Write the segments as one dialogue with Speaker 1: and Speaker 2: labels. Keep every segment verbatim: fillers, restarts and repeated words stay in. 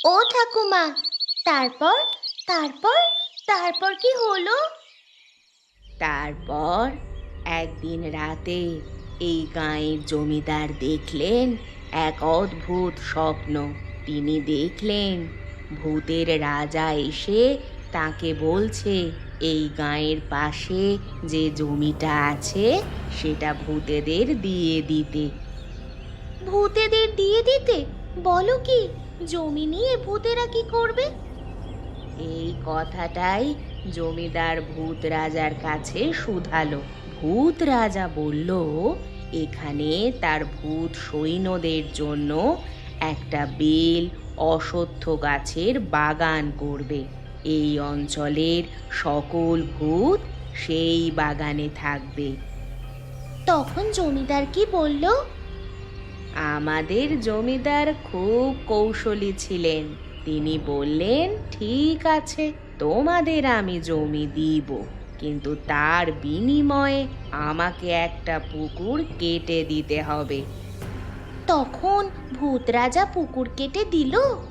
Speaker 1: ও ঠাকুমা, তারপর তারপর তারপর কি হলো?
Speaker 2: তারপর একদিন রাতে এই গাঁয়ের জমিদার দেখলেন এক অদ্ভুত স্বপ্ন। তিনি দেখলেন ভূতের রাজা এসে তাকে বলছে এই গাঁয়ের পাশে যে জমিটা আছে সেটা ভূতেদের দিয়ে দিতে।
Speaker 1: ভূতেদের দিয়ে দিতে? বলো কি, জমি নিয়ে ভূতেরা কি করবে?
Speaker 2: এই কথাটাই জমিদার ভূত রাজার কাছে শুধালো। ভূত রাজা বলল এখানে তার ভূত সৈন্যদের জন্য একটা বেল অশ্বত্থ গাছের বাগান করবে। এই অঞ্চলের সকল ভূত সেই বাগানে থাকবে।
Speaker 1: তখন জমিদার কি বলল?
Speaker 2: আমাদের জমিদার খুব কৌশলী ছিলেন। তিনি বললেন, ঠিক আছে, তোমাদের আমি জমি দিব, কিন্তু তার বিনিময়ে আমাকে একটা পুকুর কেটে দিতে হবে।
Speaker 1: তখন ভূত রাজা পুকুর কেটে দিল?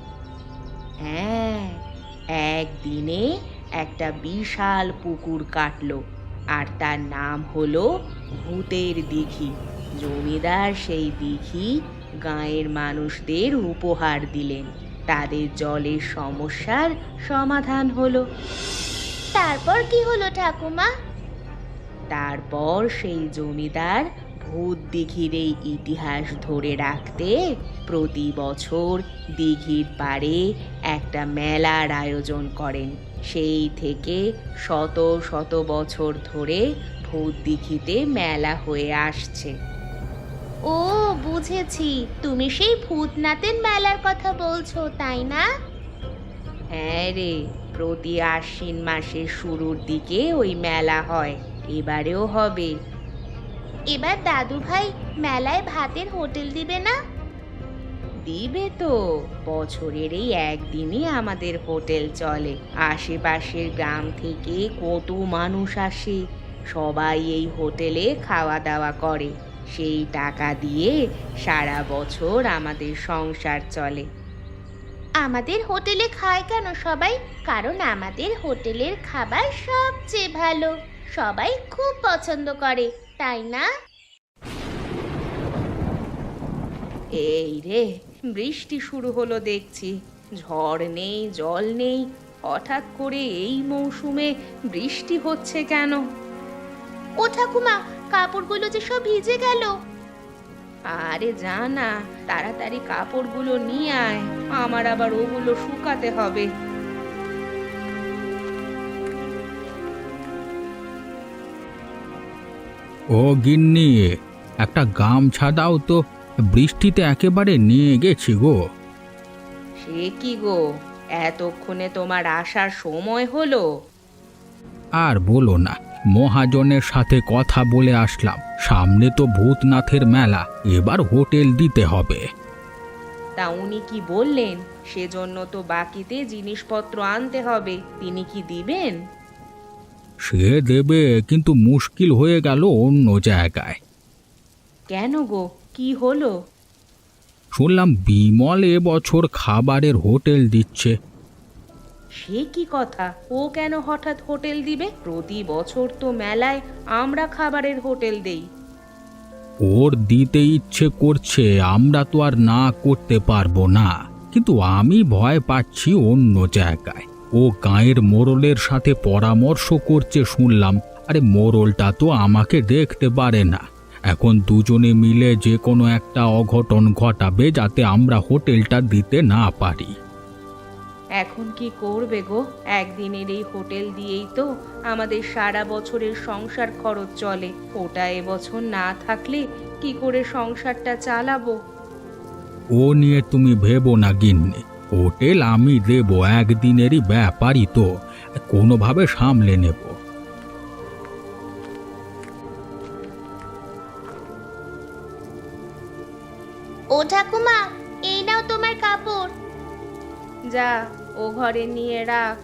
Speaker 2: হ্যাঁ, একদিনে একটা বিশাল পুকুর কাটলো, আর তার নাম হলো ভূতের দিঘি। জমিদার সেই দিঘি গাঁয়ের মানুষদের উপহার দিলেন। তাদের জলের সমস্যার সমাধান হলো।
Speaker 1: তারপর কি হলো ঠাকুমা?
Speaker 2: তারপর সেই জমিদার ভূত দিঘির এই ইতিহাস ধরে রাখতে প্রতি বছর দিঘির পাড়ে একটা মেলার আয়োজন করেন। সেই থেকে শত শত বছর ধরে ভূত দিঘিতে মেলা হয়ে আসছে।
Speaker 1: ও, বুঝেছি, তুমি সেই ভূতনাথের মেলার কথা বলছো, তাই না?
Speaker 2: হ্যাঁ রে, প্রতি আশ্বিন মাসের শুরুর দিকে ওই মেলা হয়। এবারেও হবে।
Speaker 1: এবার দাদু ভাই মেলায় ভাতের হোটেল দিবে না?
Speaker 2: দিবে তো। বছরের এই একদিনই আমাদের হোটেল চলে। আশেপাশের গ্রাম থেকে কত মানুষ আসে, সবাই এই হোটেলে খাওয়া দাওয়া করে। সেই টাকা দিয়ে সারা বছর আমাদের সংসার চলে।
Speaker 1: আমাদের হোটেলে খায় কেন সবাই? কারণ আমাদের হোটেলের খাবার সবচেয়ে ভালো, সবাই খুব পছন্দ করে, তাই না?
Speaker 2: এই রে, বৃষ্টি শুরু হলো দেখছি। ঝড় নেই, জল নেই, হঠাৎ করে এই মৌসুমে বৃষ্টি হচ্ছে কেন?
Speaker 1: ও ঠাকুমা, কাপড়গুলো যে সব ভিজে গেল।
Speaker 2: আরে যা না, তাড়াতাড়ি কাপড়গুলো নিয়ে আয়, আমার আবার ওগুলো শুকাতে হবে।
Speaker 3: ও গিন্নি, একটা গামছা দাও তো, বৃষ্টিতে একেবারে নিয়ে গেছি গো।
Speaker 2: সে কি গো, এতক্ষণে তোমার আসার সময় হলো?
Speaker 3: আর বলো না, মহাজনের সাথে কথা বলে আসলাম, সামনে তো ভূতনাথের মেলা, এবার হোটেল দিতে হবে।
Speaker 2: তা উনি কি বললেন? সেজন্য তো বাকিতে জিনিসপত্র আনতে হবে, তিনি কি দিবেন?
Speaker 3: সে দেবে, কিন্তু মুশকিল হয়ে গেল অন্য জায়গায়।
Speaker 2: কেন গো, কি হলো?
Speaker 3: শুনলাম বিমল এবছর খাবারের হোটেল দিচ্ছে।
Speaker 2: সে কি কথা? ও কেন হঠাৎ হোটেল দিবে? প্রতি বছর তো মেলায় আমরা খাবারের হোটেল দেই।
Speaker 3: ওর দিতে ইচ্ছে করছে, আমরা তো আর না করতে পারবো না, কিন্তু আমি ভয় পাচ্ছি অন্য জায়গায়। ও গাঁয়ের মোড়লের সাথে পরামর্শ করছে শুনলাম। আরে মোড়লটা তো আমাকে দেখতে পারে না। এখন দুজনে মিলে যে কোনো একটা অঘটন ঘটাবে যাতে আমরা হোটেলটা দিতে না পারি।
Speaker 2: এখন কি করবে গো? একদিনের এই হোটেল দিয়েই তো আমাদের সারা বছরের সংসার খরচ চলে। ওটা এবছর না থাকলে কি করে সংসারটা চালাবো?
Speaker 3: ও নিয়ে তুমি ভেবো না গিন্নি, হোটেল আমি দেব, একদিনেরই ব্যাপারই তো, কোনোভাবে সামলে নেব।
Speaker 1: ও ঠাকুমা, এই নাও তোমার কাপড়।
Speaker 2: যা, ও ঘরে নিয়ে রাখ।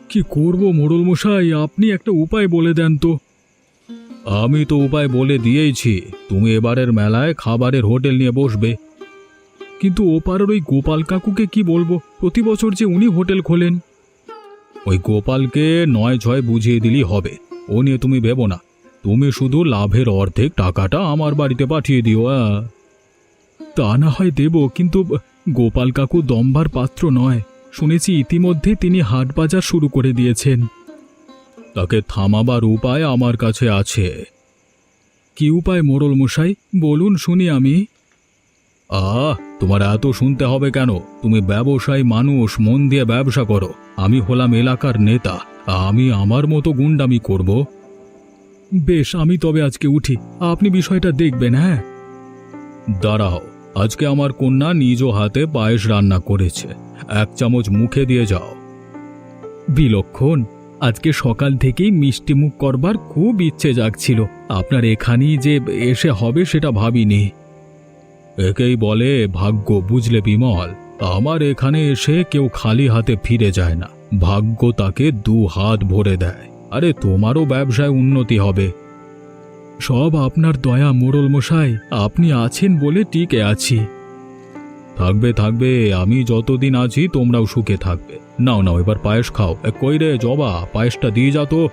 Speaker 3: কি করব মোড়ল মশাই, আপনি একটা উপায় বলে দেন তো। আমি তো উপায় বলে দিয়েইছি, তুমি এবারের মেলায় খাবারের হোটেল নিয়ে বসবে। কিন্তু ওপারের ওই গোপাল কাকুকে কি বলবো, প্রতি বছর যে উনি হোটেল খোলেন। ওই গোপালকে নয় ছয় বুঝিয়ে দিলেই হবে, ও নিয়ে তুমি ভেবো না। তুমি শুধু লাভের অর্ধেক টাকাটা আমার বাড়িতে পাঠিয়ে দিও। আহ। তা না হয় দেব, কিন্তু গোপাল কাকু দম্বার পাত্র নয়। শুনেছি ইতিমধ্যে তিনি হাট বাজার শুরু করে দিয়েছেন। তাকে থামাবার উপায় আমার কাছে আছে। কি উপায় মোড়ল মশাই, বলুন শুনি আমি। আহ তোমার এত শুনতে হবে কেন? তুমি ব্যবসায়ী মানুষ, মন দিয়ে ব্যবসা করো। আমি হলাম এলাকার নেতা, আমি আমার মতো গুন্ডামি করব। বেশ, আমি তবে আজকে উঠি, আপনি বিষয়টা দেখবেন। হ্যাঁ, দাঁড়াও, আজকে আমার কন্যা নিজ হাতে পায়েস রান্না করেছে, এক চামচ মুখে দিয়ে যাও। বিলক্ষণ, আজকে সকাল থেকেই মিষ্টি মুখ করবার খুব ইচ্ছে জাগছিল। আপনার এখানেই যে এসে হবে সেটা ভাবিনি। একেই বলে ভাগ্য, বুঝলে বিমল। আমার এখানে এসে কেউ খালি হাতে ফিরে যায় না, ভাগ্য তাকে দু হাত ভরে দেয়। আরে তোমারও ব্যবসায় উন্নতি হবে। সব আপনার দয়া মোড়ল মশাই, আপনি আছেন বলে টিকে আছি। থাকবে থাকবে, আমি যতদিন আছি তোমরাও সুখে থাকবে। নাও নাও, এবার পায়েস খাও। এ, কই রে জবা, পায়েসটা দিয়ে যা তো।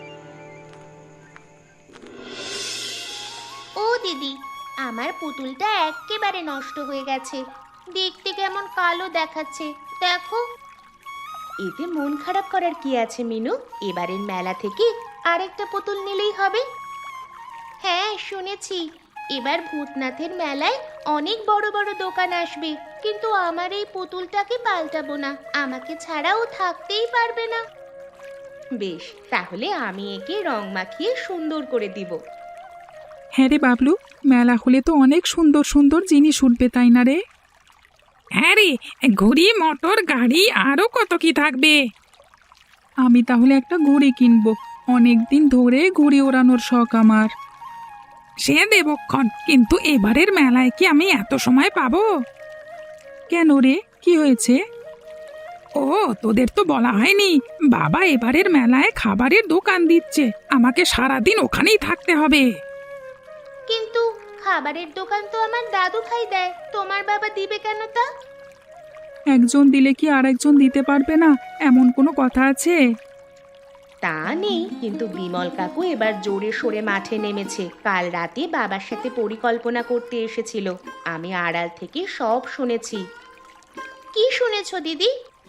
Speaker 1: ও দিদি, আমার পুতুলটা একেবারে নষ্ট হয়ে গেছে, দেখতে কেমন কালো দেখাচ্ছে দেখো।
Speaker 2: এতে মন খারাপ করার কি আছে মিনু? এবারের মেলা থেকে আরেকটা পুতুল নিলেই হবে।
Speaker 1: হ্যাঁ শুনেছি, এবার ভূতনাথের মেলায় অনেক বড় বড় দোকান আসবে, কিন্তু আমার এই পুতুলটাকে পাল্টাবো না, আমাকে ছাড়াও থাকতেই পারবে না।
Speaker 2: বেশ, তাহলে আমি একে রং মাখিয়ে সুন্দর করে দিব।
Speaker 4: হ্যাঁ রে বাবলু, মেলা হলে তো অনেক সুন্দর সুন্দর জিনিস উঠবে, তাই না রে? হ্যাঁ রে, ঘড়ি, মোটর গাড়ি, আরো কত কি থাকবে। আমি তাহলে একটা ঘড়ি কিনবো, অনেক দিন ধরে ঘুড়ি ওড়ানোর শখ আমার। সে দেবক্ষণ, কিন্তু এবারের মেলায় কি আমি এত সময় পাবো? কেন রে, কি হয়েছে? ও, তোদের তো বলা হয়নি, বাবা এবারের মেলায় খাবারের দোকান দিচ্ছে, আমাকে সারাদিন ওখানেই থাকতে হবে।
Speaker 1: কিন্তু খাবারের দোকান তো আমার দাদু ভাই দেয়, তোমার বাবা দিবে কেন তা?
Speaker 4: একজন দিলে কি আর একজন দিতে পারবে না, এমন কোনো কথা আছে?
Speaker 2: তা নেই, কিন্তু বিমল কাকু এবার জোরে সোরে মাঠে নেমেছে। কাল রাতে বাবার সাথে পরিকল্পনা করতে এসেছিল, আমি আড়াল থেকে সব শুনেছি।
Speaker 1: কি শুনেছো দিদি?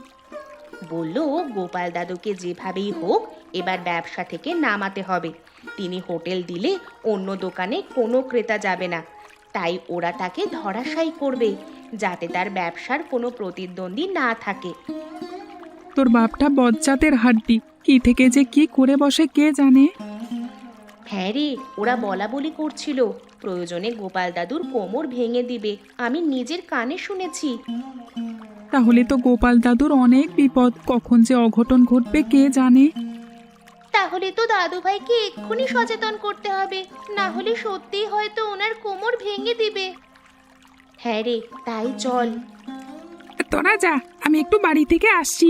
Speaker 2: বলল গোপাল দাদুকে যেভাবেই হোক এবার ব্যবসা থেকে নামাতে হবে। তিনি হোটেল দিলে অন্য দোকানে কোনো ক্রেতা যাবে না, তাই ওরা তাকে ধরাশায়ী করবে, যাতে তার ব্যবসার কোনো প্রতিদ্বন্দ্বী না থাকে।
Speaker 4: তোর বাপটা বজ্জাতের হাড্ডি, কি থেকে যে কি করে বসে কে জানে।
Speaker 2: হ্যাঁ রে, ওরা বলা বলি করছিল প্রয়োজনে গোপাল দাদুর কোমর ভেঙে দিবে, আমি নিজের কানে শুনেছি।
Speaker 4: তাহলে তো গোপাল দাদুর অনেক বিপদ, কখন যে অঘটন ঘটবে কে জানে।
Speaker 1: তাহলে তো দাদু ভাইকে এক্ষুনি সচেতন করতে হবে, না হলে সত্যিই হয়তো ওনার কোমর ভেঙে দিবে।
Speaker 2: হ্যাঁ রে, তাই চল।
Speaker 4: তোরা যা, আমি একটু বাড়ি থেকে আসছি।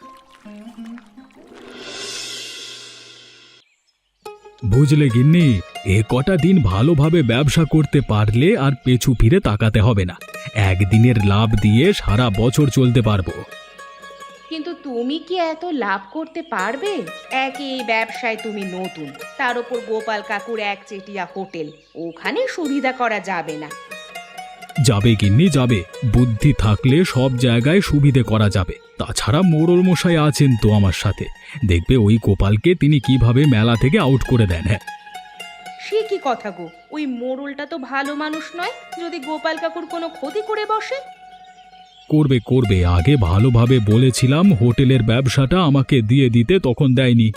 Speaker 3: বুঝলে গিন্নি, এ কটা দিন ভালোভাবে ব্যবসা করতে পারলে আর পেছু ফিরে তাকাতে হবে না। একদিনের লাভ দিয়ে সারা বছর চলতে পারবো।
Speaker 2: কিন্তু তুমি কি এত লাভ করতে পারবে? একে এই ব্যবসায় তুমি নতুন, তার উপর গোপাল কাকুর এক চেটিয়া হোটেল, ওখানে সুবিধা করা যাবে না।
Speaker 3: যাবে গিন্নি যাবে, বুদ্ধি থাকলে সব জায়গায় সুবিধে করা যাবে। তাছাড়া মোড়ল মশাই আছেন তো আমার সাথে, দেখবে ওই গোপালকে তিনি কিভাবে মেলা থেকে আউট করে দেন। হ্যাঁ,
Speaker 2: সে কি কথা গো, ওই মোড়লটা তো ভালো মানুষ নয়, যদি গোপাল কাকুর কোনো ক্ষতি করে বসে।
Speaker 3: করবে করবে, আগে ভালোভাবে বলেছিলাম হোটেলের ব্যবসাটা আমাকে দিয়ে দিতে, তখন দেয়নি।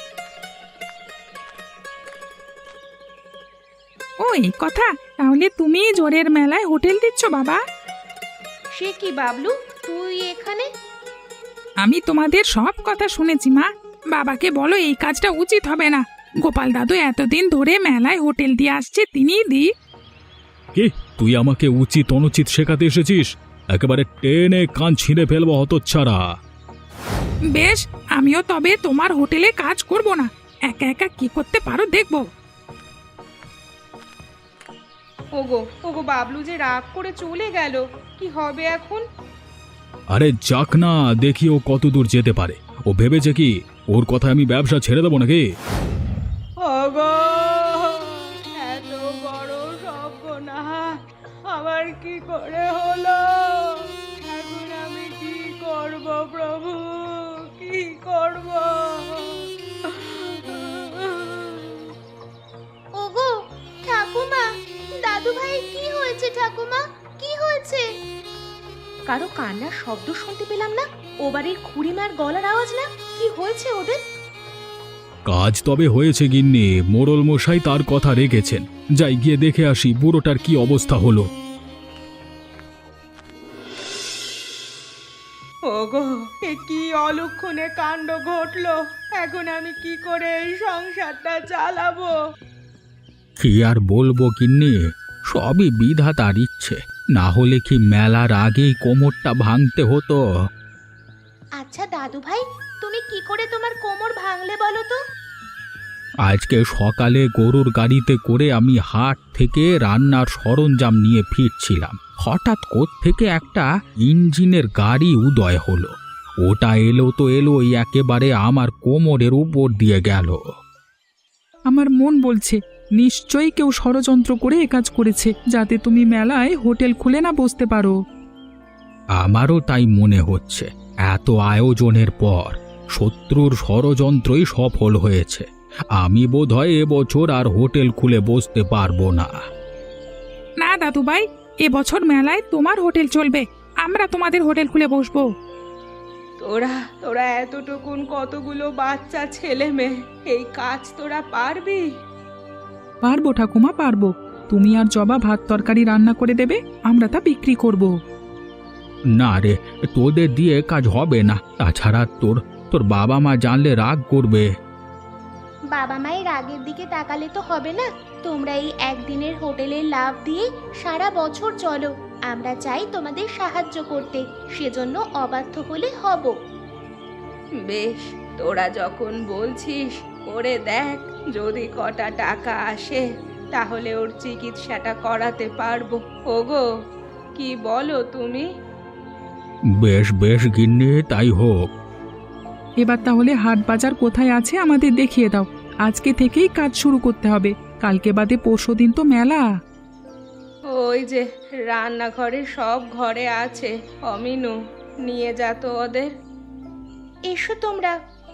Speaker 4: ওই কথা, তাহলে তুমি জোরের মেলায় হোটেল দিচ্ছ বাবা?
Speaker 2: সে কি বাবলু, তুই এখানে?
Speaker 4: আমি তোমাদের সব কথা শুনেছি মা, বাবাকে বলো এই কাজটা উচিত হবে না। গোপাল দাদু এতদিন ধরে মেলায় হোটেল দিয়ে আসছে, তিনিই দি।
Speaker 3: কি, তুই আমাকে উচিত অনুচিত শেখাতে এসেছিস? একেবারে টেনে কান ছিঁড়ে ফেলবো হতচ্ছাড়া।
Speaker 4: বেশ, আমিও তবে তোমার হোটেলে কাজ করব না, একা একা কি করতে পারো দেখবো।
Speaker 2: ওগো ওগো বাবলু যে রাগ করে চলে গেল, কি হবে এখন?
Speaker 3: আরে যাক না, দেখি ও কত দূর যেতে পারে। ও ভেবেছে কি ওর কথায় আমি ব্যবসা ছেড়ে দেবো নাকি?
Speaker 2: ওগো, এত বড় সর্বনাশ আমার কি করে হলো? এখন আমি কি করব প্রভু, কি করব?
Speaker 1: ওগো ঠাকুমা, দাদু ভাই কি হয়েছে? ঠাকুমা কি হয়েছে?
Speaker 2: কারো কান্নার শব্দ শুনতে পেলাম না, ও বাড়ির খুড়িমার গলার আওয়াজ না, কি হয়েছে ওদের?
Speaker 3: কাজ তবে হয়েছে গিন্নি, মোড়ল মশাই তার কথা রেখেছেন। যাই গিয়ে দেখে আসি বুড়োটার কি অবস্থা হলো।
Speaker 2: ওগো, এ কি অলক্ষণে কাণ্ড ঘটলো? এখন আমি কি করে এই সংসারটা চালাবো?
Speaker 3: কি আর বলবো গিন্নি, সবই বিধাতার ইচ্ছে। না হলে কি মেলার আগেই কোমরটা ভাঙতে হতো।
Speaker 1: আচ্ছা দাদু ভাই, তুমি কি করে তোমার কোমর ভাঙলে বলো তো?
Speaker 3: আজকে সকালে গরুর গাড়িতে করে আমি হাট থেকে রান্নার সরঞ্জাম নিয়ে ফিরছিলাম। হঠাৎ কোত্থেকে একটা ইঞ্জিনের গাড়ি উদয় হলো। ওটা এলো তো এলোই, একেবারে আমার কোমরের উপর দিয়ে গেল।
Speaker 4: আমার মন বলছে নিশ্চয়ই কেউ ষড়যন্ত্র করে এ কাজ করেছে, যাতে তুমি মেলায় হোটেল খুলে না বসতে পারো।
Speaker 3: আমারও তাই মনে হচ্ছে। এত আয়োজনের পর শত্রুর ষড়যন্ত্রই সফল হয়েছে। আমি বোধহয় এবছর আর হোটেল খুলে বসতে পারবো না।
Speaker 4: না দাদু ভাই, এবছর মেলায় তোমার হোটেল চলবে, আমরা তোমাদের হোটেল খুলে বসবো।
Speaker 2: তোরা তোরা এতটুকুন কতগুলো বাচ্চা ছেলে মেয়ে, এই কাজ তোরা পারবি?
Speaker 4: পারবো ঠাকুমা, পারবো। তুমি আর জবা ভাত তরকারি রান্না করে দেবে, আমরা তা বিক্রি করব।
Speaker 3: না রে, তোদের দিয়ে কাজ হবে না। তাছাড়া তোর তোর বাবা মা জানলে রাগ করবে।
Speaker 1: বাবা মায়ের আগের দিকে তাকালে তো হবে না। তোমরা এই একদিনের হোটেলের লাভ দিয়ে সারা বছর চলো। আমরা চাই তোমাদের সাহায্য করতে, সেজন্য অবাধ্য হলে হব।
Speaker 2: বেশ, তোরা যখন বলছিস করে দেখ, যদি কটা টাকা আসে তাহলে ওর চিকিৎসাটা করাতে পারবো। ওগো, কি বলো তুমি?
Speaker 3: বেশ বেশ গিন্নি, তাই হোক।
Speaker 4: এবার তাহলে হাট বাজার কোথায় আছে আমাদের দেখিয়ে দাও। আজকে থেকেই কাজ শুরু করতে হবে, কালকে বাদে পরশুদিন তো মেলা।
Speaker 2: ওই যে রান্নাঘরে সব ঘরে আছে, অমিনু নিয়ে যা তো ওদের।
Speaker 1: এসো তোমরা।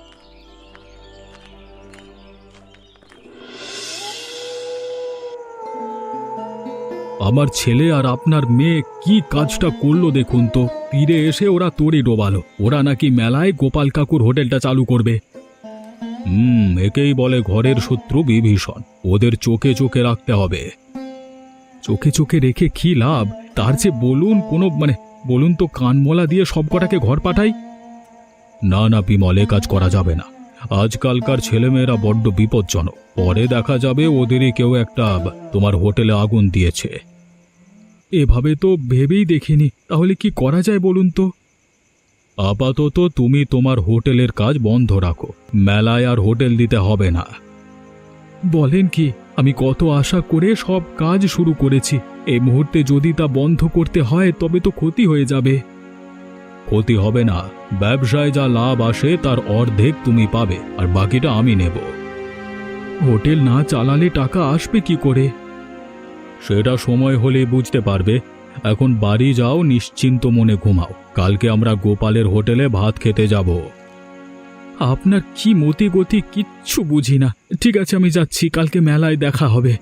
Speaker 3: আমার ছেলে আর আপনার মেয়ে কি কাজটা করলো দেখুন তো। তীরে এসে ওরা তড়ি ডোবালো। ওরা নাকি মেলায় গোপাল কাকুর হোটেলটা চালু করবে। হুম, একেই বলে ঘরের শত্রু বিভীষণ। ওদের চোখে চোখে রাখতে হবে। চোখে চোখে রেখে কি লাভ? তার চেয়ে বলুন কোনো মানে বলুন তো কানমলা দিয়ে সব কটাকে ঘর পাঠাই। না না বিমল, এ কাজ করা যাবে না। আজকালকার ছেলেমেয়েরা বড্ড বিপজ্জনক। পরে দেখা যাবে ওদেরই কেউ একটা তোমার হোটেলে আগুন দিয়েছে। এভাবে তো ভেবেই দেখিনি। তাহলে কি করা যায় বলুন তো? আপাতত তুমি তোমার হোটেলের কাজ বন্ধ রাখো। মেলায় আর হোটেল দিতে হবে না। বলেন কি, আমি কত আশা করে সব কাজ শুরু করেছি। এই মুহূর্তে যদি তা বন্ধ করতে হয় তবে তো ক্ষতি হয়ে যাবে। ক্ষতি হবে না, ব্যবসায় যা লাভ আসে তার অর্ধেক তুমি পাবে, আর বাকিটা আমি নেব। হোটেল না চালালে টাকা আসবে কি করে? সেটা সময় হলে বুঝতে পারবে। এখন বাড়ি যাও, নিশ্চিন্ত মনে ঘুমাও। কালকে আমরা গোপালের হোটেলে ভাত খেতে যাব। আপনার কি মতি গতি কিচ্ছু বুঝি না। ঠিক আছে, আমি যাচ্ছি, কালকে মেলায় দেখা হবে।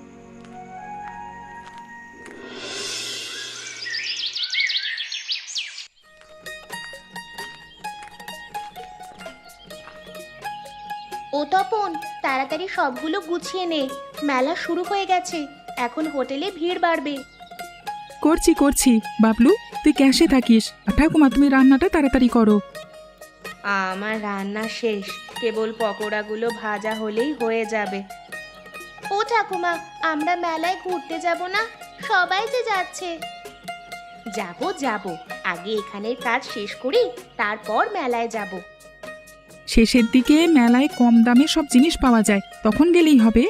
Speaker 1: ও তপন, তাড়াতাড়ি সবগুলো গুছিয়ে নে, মেলা শুরু হয়ে গেছে। এখন হোটেলে ভিড় বাড়বে।
Speaker 4: করছি করছি। বাবলু, তুই ক্যাশে থাকিস, আর ঠাকুমা তুমি রান্নাটা তাড়াতাড়ি করো।
Speaker 2: আমার রান্না শেষ, কেবল পকোড়াগুলো ভাজা হলেই হয়ে যাবে।
Speaker 1: ও ঠাকুমা, আমরা মেলায় ঘুরতে যাব না? সবাই যে যাচ্ছে।
Speaker 2: যাব যাব, আগে এখানের কাজ শেষ করি, তারপর মেলায় যাব।
Speaker 4: শেষের দিকে মেলায় কম দামে সব জিনিস পাওয়া যায়, তখন গেলেই হবে।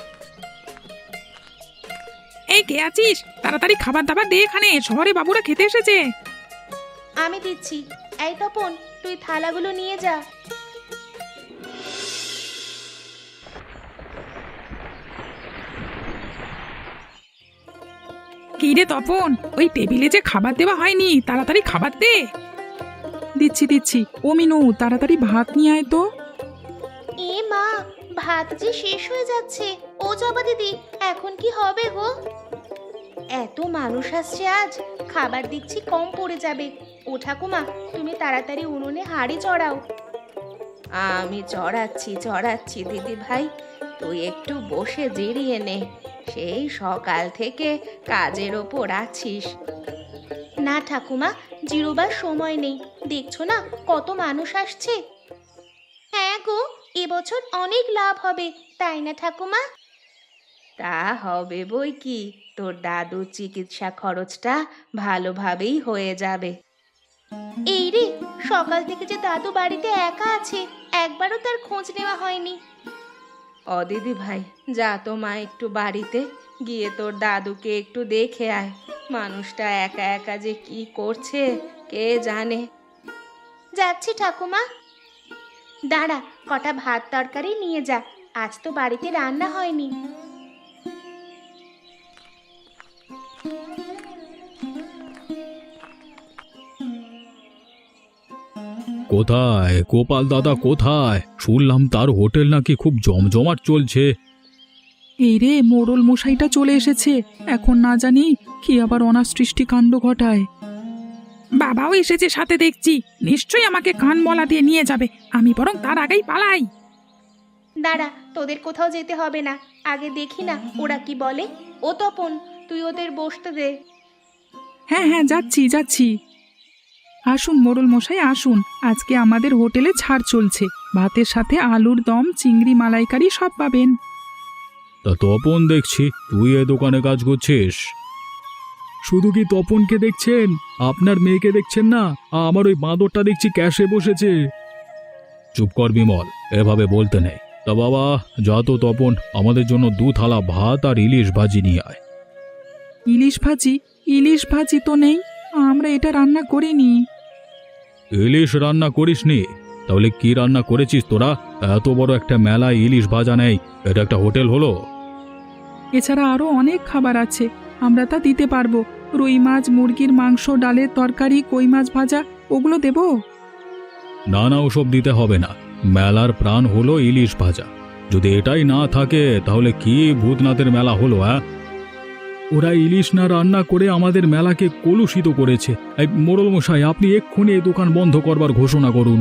Speaker 4: এই কে আছিস? তাড়াতাড়ি খাবার দাবার দে, এখানে শহরে বাবুরা খেতে এসেছে।
Speaker 1: আমি দিচ্ছি। এই তপন, তুই থালাগুলো নিয়ে যা।
Speaker 4: কি রে তপন, ওই টেবিলে যে খাবার দেওয়া হয়নি, তাড়াতাড়ি খাবার দে। দিচ্ছি দিচ্ছি। ও মিনু, তাড়াতাড়ি ভাত নিয়ে আয় তো।
Speaker 1: এ মা, ভাত যে শেষ হয়ে যাচ্ছে। ও জবা দিদি, এখন কি হবে গো? এত মানুষ আসছে আজ, খাবার দিচ্ছি কম পড়ে যাবে। ও ঠাকুমা, তুমি তাড়াতাড়ি উনুনে হাঁড়ি চড়াও।
Speaker 2: আমি চড়াচ্ছি চড়াচ্ছি দিদি ভাই, তুই একটু বসে জিরিয়ে নে। সেই সকাল থেকে কাজের ওপর আছিস।
Speaker 1: না ঠাকুমা, জিরোবার সময় নেই। দেখছো না কত মানুষ আসছে? হ্যাঁ গো, এবছর অনেক লাভ হবে, তাই না ঠাকুমা?
Speaker 2: তা হবে বই কি, তোর দাদুর চিকিৎসা খরচটা ভালোভাবেই হয়ে যাবে।
Speaker 1: এই রে, সকাল থেকে যে দাদু বাড়িতে একা আছে, একবারও তার খোঁজ নেওয়া হয়নি।
Speaker 2: ও দিদি ভাই, যা তো মা একটু বাড়িতে গিয়ে তোর দাদুকে একটু দেখে আয়। মানুষটা একা একা যে কি করছে কে জানে।
Speaker 1: যাচ্ছি ঠাকুমা। দাঁড়া, কটা ভাত তরকারি নিয়ে যা, আজ তো বাড়িতে রান্না হয়নি।
Speaker 3: কোথায় গোপাল দাদা, কোথায়? শুনলাম তার হোটেল নাকি খুব জমজমাট চলছে।
Speaker 4: এই রে, মোড়ল মশাইটা চলে এসেছে। এখন না জানি কি আবার অনাসৃষ্টি কাণ্ড ঘটায়। বাবাও এসেছে সাথে দেখছি, নিশ্চয়ই আমাকে কান মলা দিয়ে নিয়ে যাবে। আমি বরং তার আগেই পালাই।
Speaker 1: দাঁড়া, তোদের কোথাও যেতে হবে না, আগে দেখি না ওরা কি বলে। ও তপন, তুই ওদের বসতে দে।
Speaker 4: হ্যাঁ হ্যাঁ, যাচ্ছি যাচ্ছি। আসুন মোড়ল মশাই আসুন, আজকে আমাদের হোটেলে ছাড় চলছে। ভাতের সাথে আলুর দম, চিংড়ি মালাইকারি সব পাবেন।
Speaker 3: তা তপন দেখছি তুই এ দোকানে কাজ করছিস। শুধু কি তপনকে দেখছেন? আপনার মেয়েকে দেখছেন না? আমার ওই বাঁদরটা দেখছি ক্যাশে বসেছে। চুপ কর বিমল, এভাবে বলতে নেই। তা বাবা, যা তো তপন, আমাদের জন্য দু থালা ভাত আর ইলিশ ভাজি নিয়ে আয়।
Speaker 4: ইলিশ ভাজি? ইলিশ ভাজি তো নেই, আমরা এটা রান্না করিনি।
Speaker 3: ইলিশ রান্না করিসনি? তাহলে কি রান্না করেছিস তোরা? এত বড় একটা মেলায় ইলিশ ভাজা নেই, এটা একটা হোটেল হলো?
Speaker 4: এছাড়া আরো অনেক খাবার আছে, আমরা তা দিতে পারবো। রুই মাছ, মুরগির মাংস, ডালের তরকারি, কই মাছ ভাজা, ওগুলো দেবো?
Speaker 3: না না, ওসব দিতে হবে না। মেলার প্রাণ হলো ইলিশ ভাজা। যদি এটাই না থাকে তাহলে কি ভূতনাথের মেলা হলো? হ্যাঁ, ওরা ইলিশ না রান্না করে আমাদের মেলাকে কলুষিত করেছে। এই মোড়ল মশাই, আপনি এক্ষুনি এই দোকান বন্ধ করবার ঘোষণা করুন।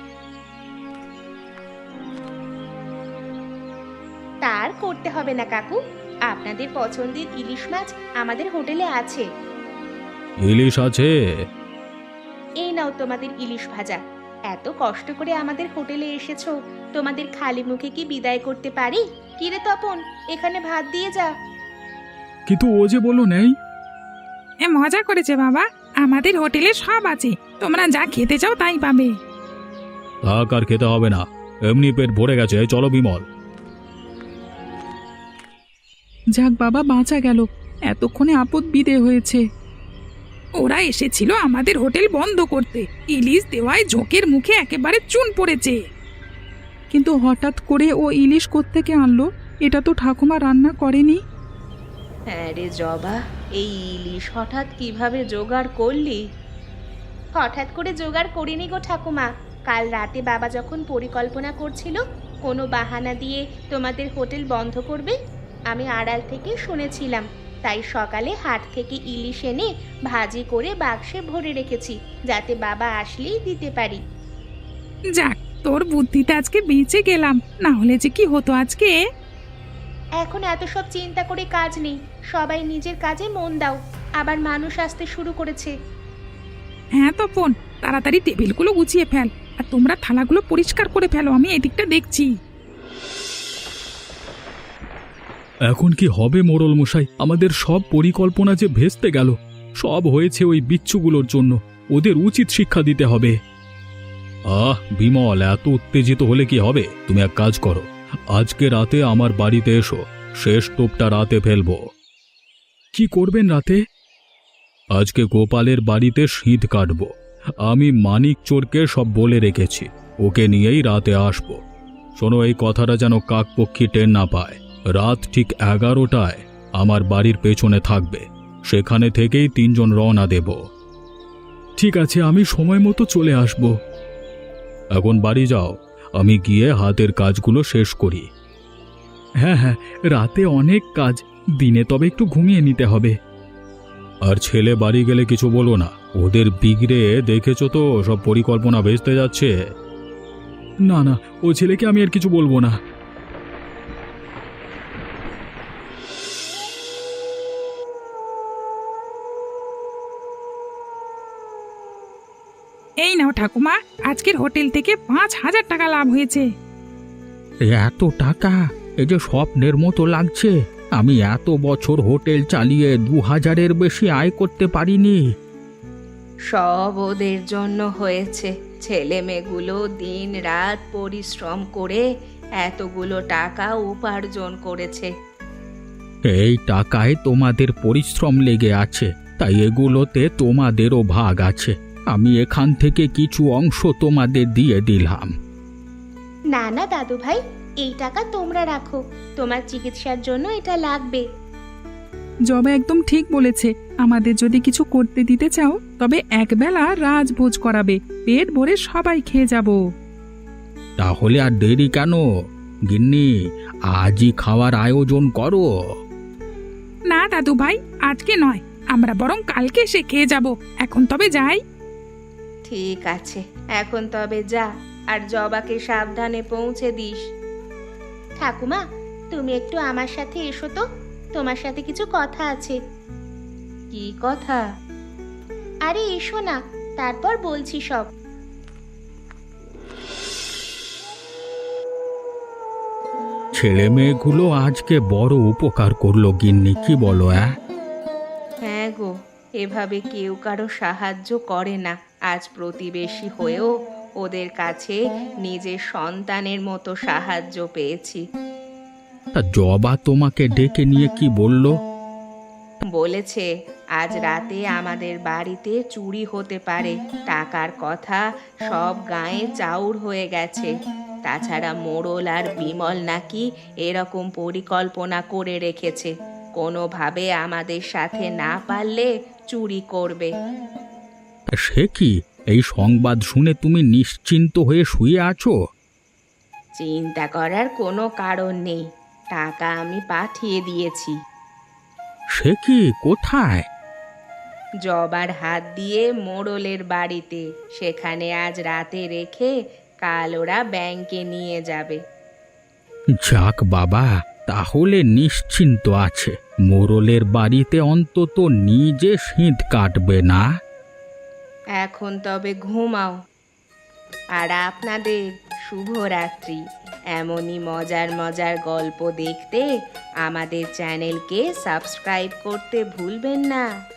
Speaker 1: তার করতে হবে না কাকু, আপনাদের পছন্দের ইলিশ মাছ আমাদের হোটেলে আছে।
Speaker 3: ইলিশ আছে?
Speaker 1: এই নাও তোমাদের ইলিশ ভাজা। এত কষ্ট করে আমাদের হোটেলে এসেছো, তোমাদের খালি মুখে কি বিদায় করতে পারি? কিরে তপন, এখানে ভাত দিয়ে যা।
Speaker 3: কিন্তু ও যে বললো নেই।
Speaker 4: এ মজা করেছে বাবা, আমাদের হোটেলে সব আছে, তোমরা যা খেতে চাও তাই পাবে।
Speaker 3: থাক, আর খেতে হবে না, এমনি পেট ভরে গেছে। চলো বিমল।
Speaker 4: যাক বাবা, বাঁচা গেল, এতক্ষণে আপদ বিদে হয়েছে। ওরা এসেছিল আমাদের হোটেল বন্ধ করতে, ইলিশ দেওয়ায় ঝোঁকের মুখে একেবারে চুন পড়েছে। কিন্তু হঠাৎ করে ও ইলিশ কোত্থেকে আনলো? এটা তো ঠাকুমা রান্না করেনি।
Speaker 2: হ্যাঁ রে জবা, এই ইলিশ হঠাৎ কিভাবে জোগাড় করলি?
Speaker 1: হঠাৎ করে জোগাড় করিনি গো ঠাকুমা। কাল রাতে বাবা যখন পরিকল্পনা করছিল কোনো বাহানা দিয়ে তোমাদের হোটেল বন্ধ করবে, আমি আড়াল থেকে শুনেছিলাম। তাই সকালে হাট থেকে ইলিশ এনে ভাজি করে বাক্সে ভরে রেখেছি, যাতে বাবা আসলেই দিতে পারি।
Speaker 4: যাক, তোর বুদ্ধিতে আজকে বেঁচে গেলাম, না হলে যে কি হতো আজকে।
Speaker 1: এখন এত সব চিন্তা করে কাজ নেই, সবাই নিজের কাজে মন দাও। আবার মানুষ আসতে শুরু করেছে।
Speaker 4: হ্যাঁ তপন, তাড়াতাড়ি টেবিলগুলো গুছিয়ে ফেল, আর তোমরা থালাগুলো পরিষ্কার করে ফেলো, আমি এদিকটা দেখছি।
Speaker 3: এখন কি হবে মোড়ল মশাই? আমাদের সব পরিকল্পনা যে ভেস্তে গেল। সব হয়েছে ওই বিচ্ছুগুলোর জন্য, ওদের উচিত শিক্ষা দিতে হবে। আহ বিমল, এত উত্তেজিত হলে কি হবে? তুমি এক কাজ করো, আজকে রাতে আমার বাড়িতে এসো, শেষ টোপটা রাতে ফেলবো। কি করবেন রাতে? আজকে গোপালের বাড়িতে শীত কাটবো। আমি মানিক চোরকে সব বলে রেখেছি, ওকে নিয়েই রাতে আসবো। শোনো, এই কথাটা যেন কাকপক্ষী টের না পায়। রাত ঠিক এগারোটায় আমার বাড়ির পেছনে থাকবে, সেখানে থেকেই তিনজন রওনা দেব। ঠিক আছে, আমি সময় মতো চলে আসব। এখন বাড়ি যাও, আমি গিয়ে হাতের কাজগুলো শেষ করি। হ্যাঁ হ্যাঁ, রাতে অনেক কাজ, দিনে তবে একটু ঘুমিয়ে নিতে হবে। আর ছেলে বাড়ি গেলে কিছু বলো না, ওদের বিগড়ে দেখেছো তো, সব পরিকল্পনা ভেস্তে যাচ্ছে। না না, ও ছেলেকে আমি আর কিছু বলবো না।
Speaker 4: এই নাও ঠাকুমা, আজকের হোটেল থেকে পাঁচ হাজার টাকা লাভ হয়েছে।
Speaker 3: এত টাকা? এই যে স্বপ্নের মতো লাগছে। আমি এত বছর হোটেল চালিয়ে দু হাজারের বেশি আয় করতে পারিনি।
Speaker 2: সব ওদের জন্য হয়েছে। ছেলে মেয়েগুলো দিন রাত পরিশ্রম করে এতগুলো টাকা উপার্জন করেছে।
Speaker 3: এই টাকায় তোমাদের পরিশ্রম লেগে আছে, তাই এগুলোতে তোমাদেরও ভাগ আছে। আমি এখান থেকে কিছু অংশ তোমাদের দিয়ে দিলাম।
Speaker 1: না না দাদু ভাই, এই টাকা তোমরা রাখো, তোমার চিকিৎসার জন্য এটা লাগবে।
Speaker 4: জবা একদম ঠিক বলেছে। আমাদের যদি কিছু করতে দিতে চাও তবে একবেলা রাজভোজ করাবে, পেট ভরে সবাই খেয়ে যাব।
Speaker 3: তাহলে আর দেরি কেন? গিন্নি, আজই খাওয়ার আয়োজন করো।
Speaker 4: না দাদু ভাই, আজকে নয়, আমরা বরং কালকে এসে খেয়ে যাব। এখন তবে যাই।
Speaker 2: ঠিক আছে, এখন তবে যা, আর জবাকে সাবধানে পৌঁছে দিস।
Speaker 1: ঠাকুমা, তুমি একটু আমার সাথে এসো তো, তোমার সাথে কিছু কথা আছে।
Speaker 2: কি কথা?
Speaker 1: আরে এসো না, তারপর বলছি সব।
Speaker 3: ছেলে মেয়েগুলো আজকে বড় উপকার করলো গিন্নি, কি বলো? হ্যাঁ
Speaker 2: হ্যাঁ গো, এভাবে কেউ কারো সাহায্য করে না। আজ প্রতিবেশী হয়েও ওদের কাছে নিজের সন্তানের মতো সাহায্য পেয়েছি।
Speaker 3: তা জবা তোমাকে ডেকে নিয়ে কি বলল?
Speaker 2: বলেছে আজ রাতে আমাদের বাড়িতে চুরি হতে পারে, টাকার কথা সব গায়ে চাউর হয়ে গেছে। তাছাড়া মোড়ল আর বিমল নাকি এরকম পরিকল্পনা করে রেখেছে, কোনোভাবে আমাদের সাথে না পারলে চুরি করবে।
Speaker 3: তা সে কি? এই সংবাদ শুনে তুমি নিশ্চিন্ত হয়ে শুয়ে আছো?
Speaker 2: চিন্তা করার কোনো কারণ নেই, টাকা আমি পাঠিয়ে দিয়েছি।
Speaker 3: সে কি? কোথায়?
Speaker 2: জবার হাত দিয়ে মোড়লের বাড়িতে, সেখানে আজ রাতে রেখে কাল ওরা ব্যাংকে নিয়ে যাবে।
Speaker 3: যাক বাবা, তাহলে নিশ্চিন্ত আছে। মোড়লের বাড়িতে অন্তত নিজে শীত কাটবে না।
Speaker 2: এখন তবে ঘুমাও, আর আপনাদের শুভরাত্রি। এমনই মজার মজার গল্প দেখতে আমাদের চ্যানেলকে সাবস্ক্রাইব করতে ভুলবেন না।